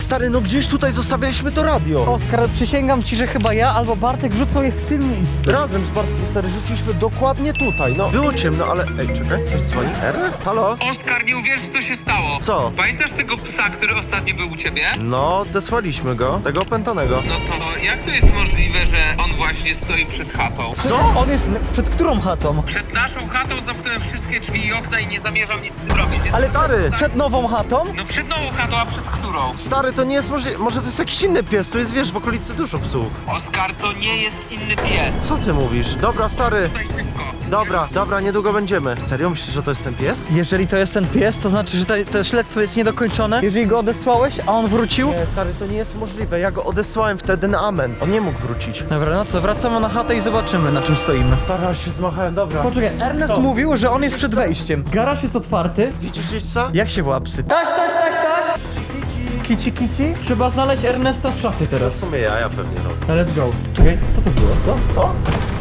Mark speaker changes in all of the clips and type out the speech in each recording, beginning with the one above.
Speaker 1: Stary, no gdzieś tutaj zostawialiśmy to radio.
Speaker 2: Oskar, przysięgam ci, że chyba ja albo Bartek rzucał je w tym miejscu.
Speaker 1: Razem z Bartkiem, stary, rzuciliśmy dokładnie tutaj. No, było ciemno, ale... Ej, czekaj, ktoś dzwoni. Ernest, halo?
Speaker 3: Oskar, nie uwierzysz, co się stało.
Speaker 1: Co?
Speaker 3: Pamiętasz tego psa, który ostatnio był u ciebie?
Speaker 1: No, desłaliśmy go, tego opętanego.
Speaker 3: No to jak to jest możliwe, że on właśnie stoi przed chatą?
Speaker 1: Co?
Speaker 2: On jest przed którą chatą?
Speaker 3: Przed naszą chatą zamknąłem wszystkie drzwi i okna i nie zamierzam nic z tym robić. Więc
Speaker 2: Ale
Speaker 1: Stary!
Speaker 2: przed nową chatą?
Speaker 3: No przed nową chatą, a przed którą?
Speaker 1: Stary, to nie jest możliwe. Może to jest jakiś inny pies, tu jest, wiesz, w okolicy dużo psów.
Speaker 3: Oskar, to nie jest inny pies.
Speaker 1: Co ty mówisz? Dobra, stary.
Speaker 3: Tutaj szybko.
Speaker 1: Dobra, niedługo będziemy. Serio? Myślisz, że to jest ten pies?
Speaker 2: Jeżeli to jest ten pies, to znaczy, że to śledztwo jest niedokończone. Jeżeli go odesłałeś, a on wrócił.
Speaker 1: Nie, stary, to nie jest możliwe. Ja go odesłałem wtedy na amen. On nie mógł wrócić.
Speaker 2: Dobra, no co, wracamy na chatę i zobaczymy, na czym stoimy.
Speaker 1: Stary, aż się zmachałem, dobra.
Speaker 2: Poczekaj, Ernest mówił, że on jest przed wejściem. Garaż jest otwarty.
Speaker 1: Widzisz gdzieś psa?
Speaker 2: Jak się woła psy? Taś! Kici. Trzeba znaleźć Ernesta w szafie
Speaker 1: W
Speaker 2: teraz.
Speaker 1: sumie ja pewnie robię.
Speaker 2: Let's go. Czekaj, co to było?
Speaker 1: Co?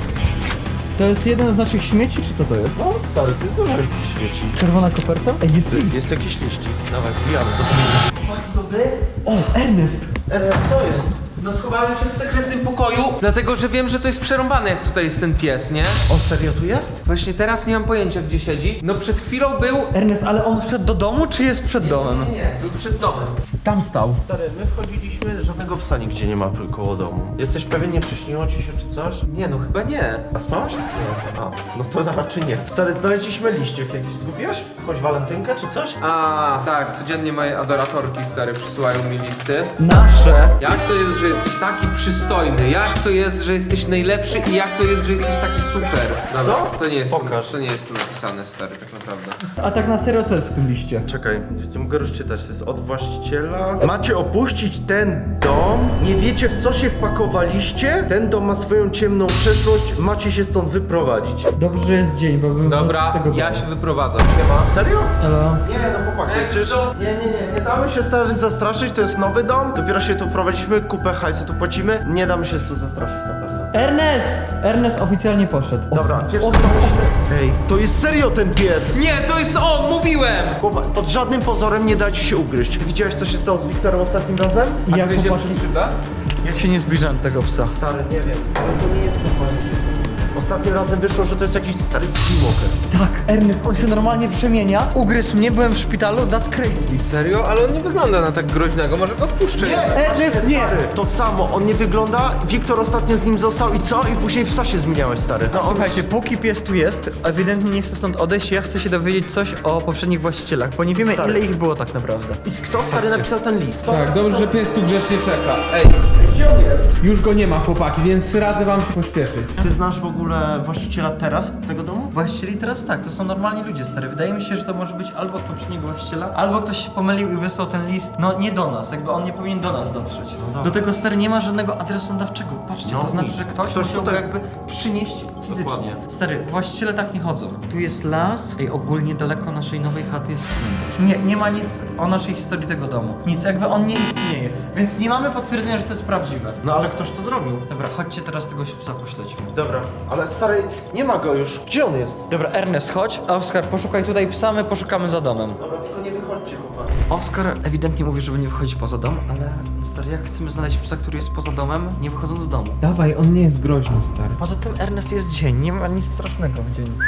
Speaker 2: To jest jeden z naszych śmieci, czy co to jest?
Speaker 1: No, stary, to jest dużo jakichś śmieci.
Speaker 2: Czerwona koperta? Ej, jest list.
Speaker 1: Jest jakiś liścik. Dawaj, wbijamy, zobaczymy.
Speaker 2: O, Ernest!
Speaker 1: Co jest?
Speaker 4: No schowałem się w sekretnym pokoju, dlatego że wiem, że to jest przerąbane, jak tutaj jest ten pies, nie?
Speaker 1: On serio tu jest?
Speaker 4: Właśnie teraz nie mam pojęcia, gdzie siedzi. No przed chwilą był...
Speaker 2: Ernest, ale on wszedł do domu, czy jest przed domem?
Speaker 4: Nie, był przed domem. Tam stał.
Speaker 1: Stary, my wchodziliśmy, żadnego psa nigdzie nie ma koło domu. Jesteś pewien, nie przyśniło ci się czy coś?
Speaker 4: Nie, no chyba nie.
Speaker 1: A spałaś? Nie. A, no to raczej nie. Stary, znaleźliśmy liściek jakiś. Zgubiłeś? Choć walentynkę czy coś?
Speaker 4: A, tak, codziennie moje adoratorki stare przysyłają mi listy.
Speaker 2: Nasze!
Speaker 4: Jak to jest, że jesteś taki przystojny? Jak to jest, że jesteś najlepszy i jak to jest, że jesteś taki super? Dobra,
Speaker 1: Co?
Speaker 4: to nie jest
Speaker 1: Pokaż.
Speaker 4: Tu, to nie jest tu napisane, stary, tak naprawdę.
Speaker 2: A tak na serio, co jest w tym liście?
Speaker 1: Czekaj, nie mogę rozczytać. To jest od właściciela. Macie opuścić ten dom? Nie wiecie, w co się wpakowaliście? Ten dom ma swoją ciemną przeszłość. Macie się stąd wyprowadzić.
Speaker 2: Dobrze, że jest dzień, bo bym
Speaker 4: Dobra,
Speaker 2: tego
Speaker 4: ja
Speaker 2: bał.
Speaker 4: się wyprowadzam.
Speaker 1: Serio?
Speaker 2: Elo.
Speaker 1: Nie, no chłopaki,
Speaker 4: Ej,
Speaker 1: przecież...
Speaker 4: co?
Speaker 1: Nie damy się stary zastraszyć, to jest nowy dom. Dopiero się tu wprowadziliśmy, kupę hajsu tu płacimy. Nie damy się tu zastraszyć na pewno.
Speaker 2: Ernest! Ernest oficjalnie poszedł.
Speaker 1: Dobra,
Speaker 2: Oskar.
Speaker 1: Ej, to jest serio ten pies!
Speaker 4: Nie, to jest on, mówiłem!
Speaker 1: Chłopak, pod żadnym pozorem nie da ci się ugryźć. Widziałeś, co się stało z Wiktorem ostatnim razem?
Speaker 2: Ja
Speaker 4: Gryzie
Speaker 2: chłopaki,
Speaker 4: przez szybę?
Speaker 2: jak się nie zbliżam do tego psa.
Speaker 1: Stary, nie wiem, ale to nie jest normalny pies. Ostatnim razem wyszło, że to jest jakiś stary skinwalker.
Speaker 2: Tak, Ernest, on się normalnie przemienia. Ugryzł mnie, byłem w szpitalu, that's crazy.
Speaker 4: Serio? Ale on nie wygląda na tak groźnego, może go wpuszczę.
Speaker 2: Ernest, nie!
Speaker 1: To samo, on nie wygląda, Wiktor ostatnio z nim został i co? I później w psa się zmieniałeś, stary.
Speaker 2: No, słuchajcie, póki pies tu jest, ewidentnie nie chce stąd odejść, ja chcę się dowiedzieć coś o poprzednich właścicielach, bo nie wiemy
Speaker 1: Stary.
Speaker 2: ile ich było tak naprawdę.
Speaker 1: I kto, stary, napisał ten list?
Speaker 4: Tak, dobrze, że pies tu grzecznie czeka. Ej,
Speaker 1: Gdzie on jest?
Speaker 4: już go nie ma, chłopaki, więc radzę wam się pośpieszyć.
Speaker 1: Ty znasz w ogóle właściciela teraz tego domu?
Speaker 2: Właścicieli teraz tak, to są normalni ludzie, stary. Wydaje mi się, że to może być albo od poprzedniego właściciela, albo ktoś się pomylił i wysłał ten list, no nie do nas, jakby on nie powinien do nas dotrzeć.
Speaker 1: dobra.
Speaker 2: Do tego, stary, nie ma żadnego adresu nadawczego, patrzcie,
Speaker 1: No
Speaker 2: to znaczy,
Speaker 1: nic.
Speaker 2: że ktoś
Speaker 1: Ktoś
Speaker 2: musiał go
Speaker 1: tutaj-
Speaker 2: jakby przynieść fizycznie.
Speaker 1: Dokładnie.
Speaker 2: Stary, właściciele tak nie chodzą. Tu jest las, ej, ogólnie daleko naszej nowej chaty jest cmentarz. Nie ma nic o naszej historii tego domu. Nic, jakby on nie istnieje, więc nie mamy potwierdzenia, że to jest prawdziwe.
Speaker 1: No ale ktoś to zrobił.
Speaker 2: Dobra, chodźcie teraz tego psa pośledźmy.
Speaker 1: Dobra, ale stary, nie ma go już. Gdzie on jest?
Speaker 2: Dobra, Ernest, chodź. A Oskar, poszukaj tutaj psa, my poszukamy za domem.
Speaker 1: Dobra, tylko nie wychodźcie, chłopaki.
Speaker 2: Oskar ewidentnie mówi, żeby nie wychodzić poza dom, ale stary, jak chcemy znaleźć psa, który jest poza domem, nie wychodząc z domu?
Speaker 4: Dawaj, on nie jest groźny, stary.
Speaker 2: Poza tym Ernest jest dzień, nie ma nic strasznego w dzień.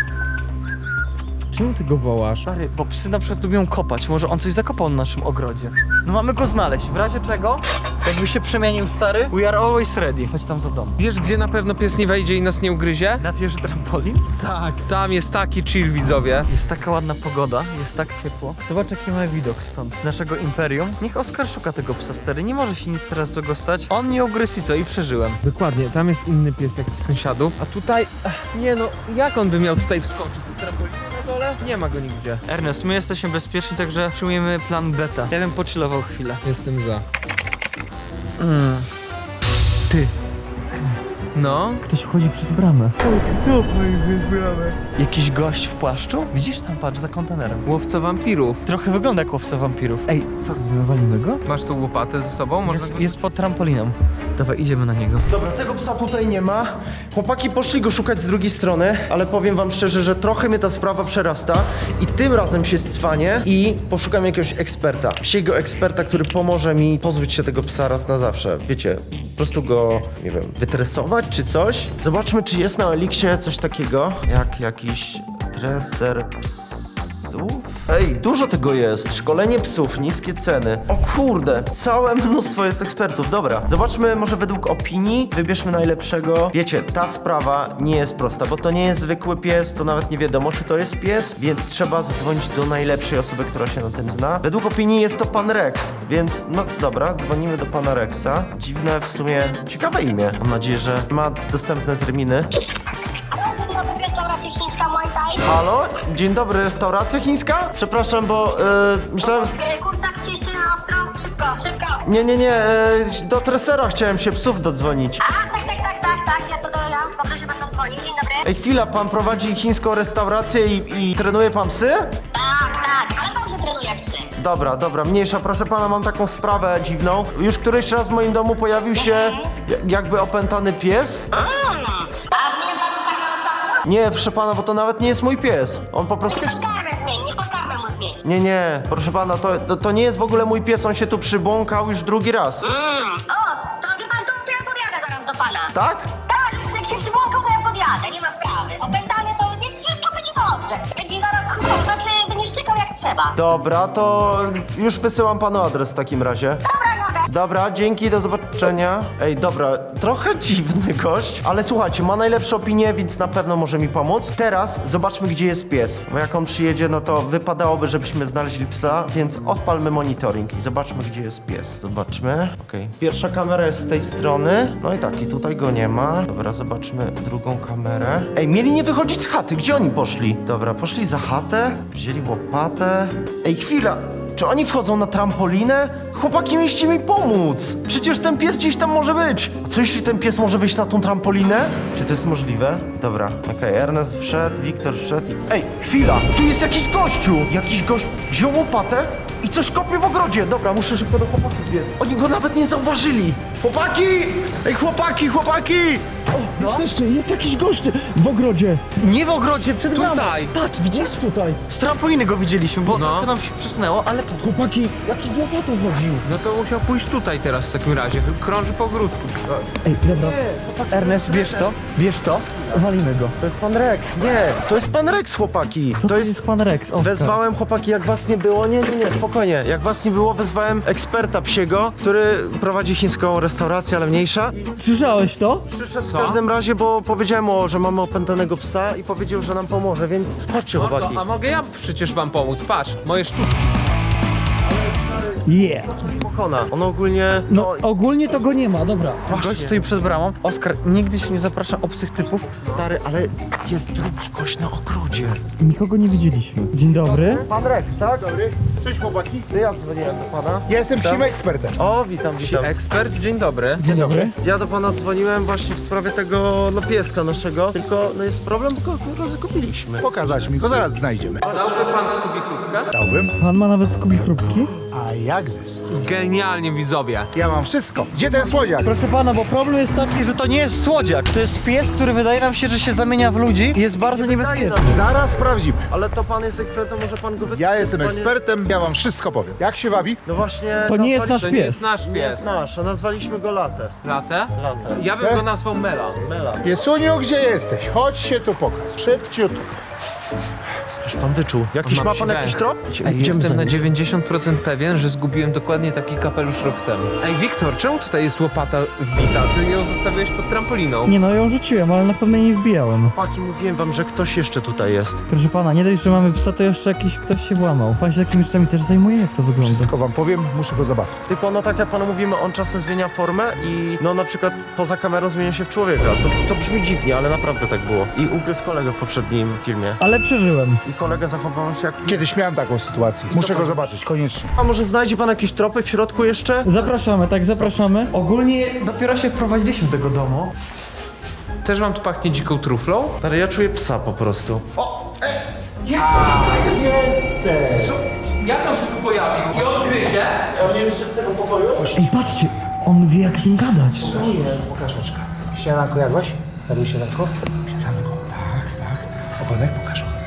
Speaker 4: Czemu ty go wołasz?
Speaker 2: Stary, bo psy na przykład lubią kopać, może on coś zakopał na naszym ogrodzie. No mamy go znaleźć, w razie czego, jakby się przemienił stary, we are always ready. Chodź tam za dom.
Speaker 4: Wiesz, gdzie na pewno pies nie wejdzie i nas nie ugryzie?
Speaker 2: Na wieży trampolin?
Speaker 4: Tak. Tam jest taki chill, widzowie.
Speaker 2: Jest taka ładna pogoda, jest tak ciepło. Zobacz jaki mamy widok stąd, z naszego imperium. Niech Oskar szuka tego psa, stary, nie może się nic teraz złego stać. On mnie ugryzł i co? I przeżyłem.
Speaker 4: Dokładnie, tam jest inny pies jakiś sąsiadów, a tutaj... nie no, jak on by miał tutaj wskoczyć z trampoliny na dole? Nie ma go nigdzie.
Speaker 2: Ernest, my jesteśmy bezpieczni, także przyjmujemy plan beta. Ja bym pochillował chwilę.
Speaker 4: Jestem za.
Speaker 2: Ty,
Speaker 4: No?
Speaker 2: ktoś wchodzi przez bramę. Jakiś gość w płaszczu? Widzisz tam, patrz, za kontenerem.
Speaker 4: Łowca wampirów.
Speaker 2: Trochę wygląda jak łowca wampirów. Ej, co, robimy, walimy go?
Speaker 4: Masz tą łopatę ze sobą? Można go
Speaker 2: Jest pod trampoliną. Dawaj, idziemy na niego.
Speaker 1: Dobra, tego psa tutaj nie ma. Chłopaki poszli go szukać z drugiej strony, ale powiem wam szczerze, że trochę mnie ta sprawa przerasta i tym razem się scwanię i poszukam jakiegoś eksperta. Psiego eksperta, który pomoże mi pozbyć się tego psa raz na zawsze. Wiecie, po prostu go, nie wiem, wytresować czy coś. Zobaczmy, czy jest na Elixie coś takiego jak jakiś treser psów. Ej, dużo tego jest. Szkolenie psów, niskie ceny. O kurde, całe mnóstwo jest ekspertów. Dobra, zobaczmy może według opinii, wybierzmy najlepszego. Wiecie, ta sprawa nie jest prosta, bo to nie jest zwykły pies, to nawet nie wiadomo, czy to jest pies, więc trzeba zadzwonić do najlepszej osoby, która się na tym zna. Według opinii jest to pan Rex, więc no dobra, dzwonimy do pana Rexa. Dziwne w sumie, ciekawe imię. Mam nadzieję, że ma dostępne terminy.
Speaker 5: Restauracja chińska Muay Thai.
Speaker 1: Halo? Dzień dobry, restauracja chińska? Przepraszam, bo myślałem...
Speaker 5: Kurczak jeszcze na ostro. Szybko.
Speaker 1: Nie, do tresera chciałem się psów dodzwonić.
Speaker 5: A, tak, ja. Dobrze się pan dzwonił. Dzień dobry.
Speaker 1: Ej, chwila, pan prowadzi chińską restaurację i trenuje pan psy?
Speaker 5: Tak, ale dobrze trenuję psy.
Speaker 1: Dobra, mniejsza, proszę pana, mam taką sprawę dziwną. Już któryś raz w moim domu pojawił się jakby opętany pies.
Speaker 5: A zmień warunkach na ostatnio?
Speaker 1: Nie, proszę pana, bo to nawet nie jest mój pies. On po prostu...
Speaker 5: Niech podkarmę mu zmień.
Speaker 1: Nie, proszę pana, to nie jest w ogóle mój pies, on się tu przybłąkał już drugi raz.
Speaker 5: O, to wie pan co, to ja podjadę zaraz do pana.
Speaker 1: Tak?
Speaker 5: Tak, jak się przybłąkał, to ja podjadę, nie ma sprawy. Opętany to nie, wszystko będzie dobrze. Będzie zaraz chupał, znaczy będzie szczykał jak trzeba.
Speaker 1: Dobra, to już wysyłam panu adres w takim razie.
Speaker 5: Dobra.
Speaker 1: Dobra, dzięki, do zobaczenia. Ej, dobra, trochę dziwny gość, ale słuchajcie, ma najlepsze opinie, więc na pewno może mi pomóc. Teraz zobaczmy, gdzie jest pies, bo jak on przyjedzie, no to wypadałoby, żebyśmy znaleźli psa, więc odpalmy monitoring i zobaczmy, gdzie jest pies. Zobaczmy. Okej. Pierwsza kamera jest z tej strony, no i tak, i tutaj go nie ma. Dobra, zobaczmy drugą kamerę. Ej, mieli nie wychodzić z chaty, gdzie oni poszli? Dobra, poszli za chatę, wzięli łopatę. Ej, chwila! Czy oni wchodzą na trampolinę? Chłopaki, mieliście mi pomóc! Przecież ten pies gdzieś tam może być! A co jeśli ten pies może wyjść na tą trampolinę? Czy to jest możliwe? Dobra, okej, Ernest wszedł, Wiktor wszedł i... Ej, chwila! Tu jest jakiś gościu! Jakiś gość wziął łopatę i coś kopie w ogrodzie! Dobra, muszę szybko do chłopaków biec. Oni go nawet nie zauważyli! Chłopaki! Ej, chłopaki! O, jesteście, jest jakiś gość w ogrodzie!
Speaker 2: Nie w ogrodzie, przed nami.
Speaker 4: Tutaj!
Speaker 2: Patrz, widzisz?
Speaker 1: Tutaj!
Speaker 2: Z trampoliny go widzieliśmy, bo
Speaker 4: No.
Speaker 2: trochę nam się przesunęło, ale to...
Speaker 1: Chłopaki, jaki z łopatą chodził?
Speaker 4: No to musiał pójść tutaj teraz w takim razie. Krąży po ogródku czy coś.
Speaker 2: Ej, dobra. Ernest, bierz to. Walimy go.
Speaker 1: To jest pan Rex, nie! To jest pan Rex, chłopaki! To jest...
Speaker 2: pan Rex. O,
Speaker 1: Wezwałem, chłopaki, jak was nie było, nie, spokojnie. Jak was nie było, wezwałem eksperta psiego, który prowadzi chińską restaurację, ale mniejsza.
Speaker 2: Słyszałeś to?
Speaker 1: Przyszedł w
Speaker 4: Co?
Speaker 1: każdym razie, bo powiedziałem mu, że mamy opętanego psa i powiedział, że nam pomoże, więc chodźcie, chłopaki.
Speaker 4: A mogę ja przecież wam pomóc? Patrz, moje sztuczki.
Speaker 2: Yeah.
Speaker 1: Pokona. On ogólnie...
Speaker 2: No, ogólnie to go nie ma, dobra.
Speaker 1: Właśnie.
Speaker 2: Gość stoi przed bramą. Oskar, nigdy się nie zaprasza obcych typów.
Speaker 1: Stary, ale jest drugi gość na ogrodzie.
Speaker 2: Nikogo nie widzieliśmy. Dzień dobry.
Speaker 1: Pan Rex, tak?
Speaker 6: Dobry. Cześć chłopaki.
Speaker 1: To ja dzwoniłem do pana.
Speaker 6: Ja jestem psim ekspertem.
Speaker 1: O, witam.
Speaker 4: Ekspert, dzień dobry.
Speaker 2: Dzień dobry.
Speaker 1: Ja do pana dzwoniłem właśnie w sprawie tego, no, pieska naszego, tylko no jest problem, tylko zgupiliśmy.
Speaker 6: Pokazać mi go, zaraz znajdziemy.
Speaker 4: Dałby pan Scooby chrupkę?
Speaker 6: Dałbym.
Speaker 2: Pan ma nawet skubi chrupki?
Speaker 6: A jakżeż?
Speaker 4: Genialnie, widzowie.
Speaker 6: Ja mam wszystko. Gdzie ten słodziak?
Speaker 2: Proszę pana, bo problem jest taki, że to nie jest słodziak. To jest pies, który wydaje nam się, że się zamienia w ludzi i jest bardzo niebezpieczny.
Speaker 6: Zaraz sprawdzimy.
Speaker 1: Ale to pan jest ekspertem, może pan go wytłumaczyć?
Speaker 6: Ja jestem
Speaker 1: Panie-
Speaker 6: ekspertem, ja wam wszystko powiem. Jak się wabi?
Speaker 1: No właśnie...
Speaker 2: To nie jest nasz
Speaker 4: To nie jest
Speaker 2: pies.
Speaker 4: nasz
Speaker 1: Nie
Speaker 4: pies.
Speaker 1: jest nasz, a nazwaliśmy go Latę.
Speaker 4: Latę?
Speaker 1: Latę.
Speaker 4: Ja bym go nazwał Mela.
Speaker 1: Mela.
Speaker 6: Piesuniu, gdzie jesteś? Chodź się tu pokaż. Szybciutko.
Speaker 1: Coś pan wyczuł. Jakiś
Speaker 4: On
Speaker 1: ma
Speaker 4: ma
Speaker 1: pan
Speaker 4: psi
Speaker 1: jakiś
Speaker 4: węch.
Speaker 1: trop?
Speaker 4: Jestem na 90% pewien, że zgubiłem dokładnie taki kapelusz rok temu. Ej, Wiktor, czemu tutaj jest łopata wbita? Ty ją zostawiłeś pod trampoliną.
Speaker 7: Nie no, ją rzuciłem, ale na pewno jej nie wbijałem.
Speaker 1: Chłopaki, mówiłem wam, że ktoś jeszcze tutaj jest.
Speaker 7: Proszę pana, nie dość, że mamy psa, to jeszcze jakiś ktoś się włamał. Pan się takimi rzeczami też zajmuje? Jak to wygląda?
Speaker 6: Wszystko wam powiem, muszę go zobaczyć.
Speaker 1: Tylko no tak jak panu mówimy, on czasem zmienia formę i no na przykład poza kamerą zmienia się w człowieka. To brzmi dziwnie, ale naprawdę tak było. I ugryzł kolegę w poprzednim filmie.
Speaker 7: Ale przeżyłem.
Speaker 1: I kolega zachował się jak...
Speaker 6: Kiedyś miałem taką sytuację. Muszę go zobaczyć, koniecznie.
Speaker 1: A może znajdzie pan jakieś tropy w środku jeszcze?
Speaker 7: Zapraszamy, tak, zapraszamy.
Speaker 2: Ogólnie dopiero się wprowadziliśmy do tego domu.
Speaker 4: Też wam tu pachnie dziką truflą?
Speaker 1: Ale ja czuję psa po prostu.
Speaker 6: Jesteś!
Speaker 4: Jak on się tu pojawił? I on gryzie?
Speaker 7: Ej, patrzcie, On wie jak z nim gadać.
Speaker 6: Co jest? Pokaż oczka. Śniadanko jadłaś? Jadłeś śniadanko? Śniadanko. Tak. Ogonek pokaż ogonek.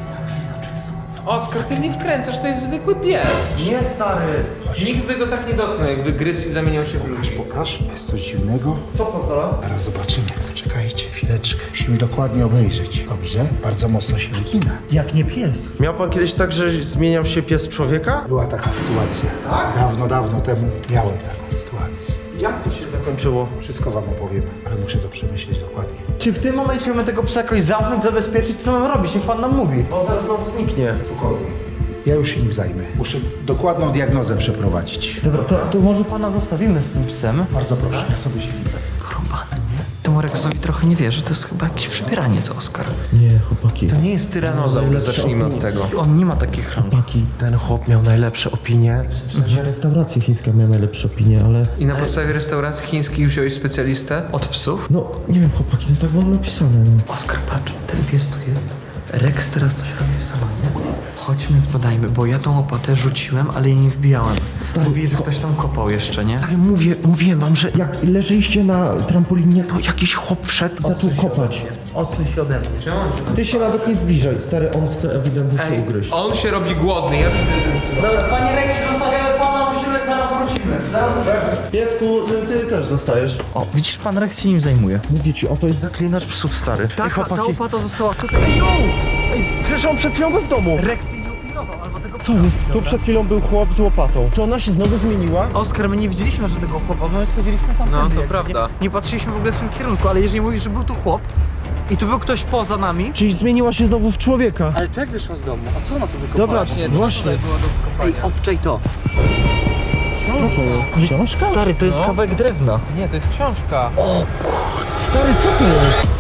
Speaker 4: Oskar, ty mnie wkręcasz, to jest zwykły pies.
Speaker 1: Nie, stary.
Speaker 4: Nikt by go tak nie dotknął, jakby gryzł i zamieniał się w ludzi.
Speaker 6: Pokaż. Jest coś dziwnego.
Speaker 1: Co pan znalazł?
Speaker 6: Zaraz zobaczymy. Czekajcie, chwileczkę. Musimy dokładnie obejrzeć. Dobrze? Bardzo mocno się wygina.
Speaker 7: Jak nie pies.
Speaker 1: Miał pan kiedyś tak, że zmieniał się pies w człowieka?
Speaker 6: Była taka sytuacja. Dawno temu miałem taką sytuację.
Speaker 1: Jak to się zakończyło?
Speaker 6: Wszystko wam opowiem, ale muszę to przemyśleć dokładnie.
Speaker 2: Czy w tym momencie mamy tego psa jakoś zamknąć, zabezpieczyć? Co mam robić? Niech pan nam mówi.
Speaker 1: On zaraz znowu zniknie.
Speaker 6: Spokojnie. Ja już się nim zajmę. Muszę dokładną diagnozę przeprowadzić.
Speaker 2: Dobra, to może pana zostawimy z tym psem.
Speaker 6: Bardzo proszę, ja sobie się nim zajmę.
Speaker 2: Porąbane, nie? Temu Rexowi trochę nie wierzę, to jest chyba jakieś przebieraniec, Oskar.
Speaker 7: Nie, chłopaki.
Speaker 4: To nie jest tyranozaur, zacznijmy od tego.
Speaker 2: On nie ma takich rąk.
Speaker 7: Chłopaki.
Speaker 1: Ten chłop miał najlepsze opinie.
Speaker 7: W sensie restauracja chińska miała najlepsze opinie, ale...
Speaker 4: I na podstawie restauracji chińskiej wziąłeś specjalistę?
Speaker 2: Od psów?
Speaker 7: No, nie wiem, chłopaki, no tak było napisane, no.
Speaker 2: Oskar, patrz, ten pies tu jest. Rex teraz coś robi w salonie. Chodźmy, zbadajmy, bo ja tą łopatę rzuciłem, ale jej nie wbijałem. Mówi, że ktoś tam kopał jeszcze, nie?
Speaker 1: Stary, mówiłem wam, że
Speaker 7: Jak leżeliście na trampolinie, to
Speaker 1: to jakiś chłop wszedł.
Speaker 7: zaczął kopać.
Speaker 2: Odsuń się ode mnie.
Speaker 7: Ty się nawet nie zbliżaj, stary, on chce ewidentnie cię ugryźć.
Speaker 4: On się robi głodny, ja widzę.
Speaker 2: Dobra, panie Rexie, zostawiamy pana, musimy, zaraz wrócimy.
Speaker 1: Piesku, ty też zostajesz.
Speaker 2: O, widzisz, pan Rex się nim zajmuje.
Speaker 7: Mówię ci, oto jest
Speaker 1: Zaklinacz psów, stary.
Speaker 2: Tak, ta łopata została tutaj.
Speaker 1: Przecież on przed chwilą był w domu.
Speaker 2: Rex jej nie upilnował, albo tego...
Speaker 7: Co jest? Tu przed chwilą był chłop z łopatą. Czy ona się znowu zmieniła?
Speaker 2: Oskar, my nie widzieliśmy żadnego chłopa, my schodziliśmy tam.
Speaker 4: No, to
Speaker 2: nie,
Speaker 4: prawda.
Speaker 2: Nie patrzyliśmy w ogóle w tym kierunku, ale jeżeli mówisz, że był tu chłop i tu był ktoś poza nami...
Speaker 7: Czyli zmieniła się znowu w człowieka.
Speaker 2: Ale to jak wyszła z domu? A co ona tu wykopała?
Speaker 7: Dobra, właśnie.
Speaker 2: Ej, obczaj to.
Speaker 7: Co to jest? Książka?
Speaker 2: Stary, to jest
Speaker 4: No.
Speaker 2: kawałek drewna.
Speaker 4: Nie, to jest książka.
Speaker 7: Stary, co to jest?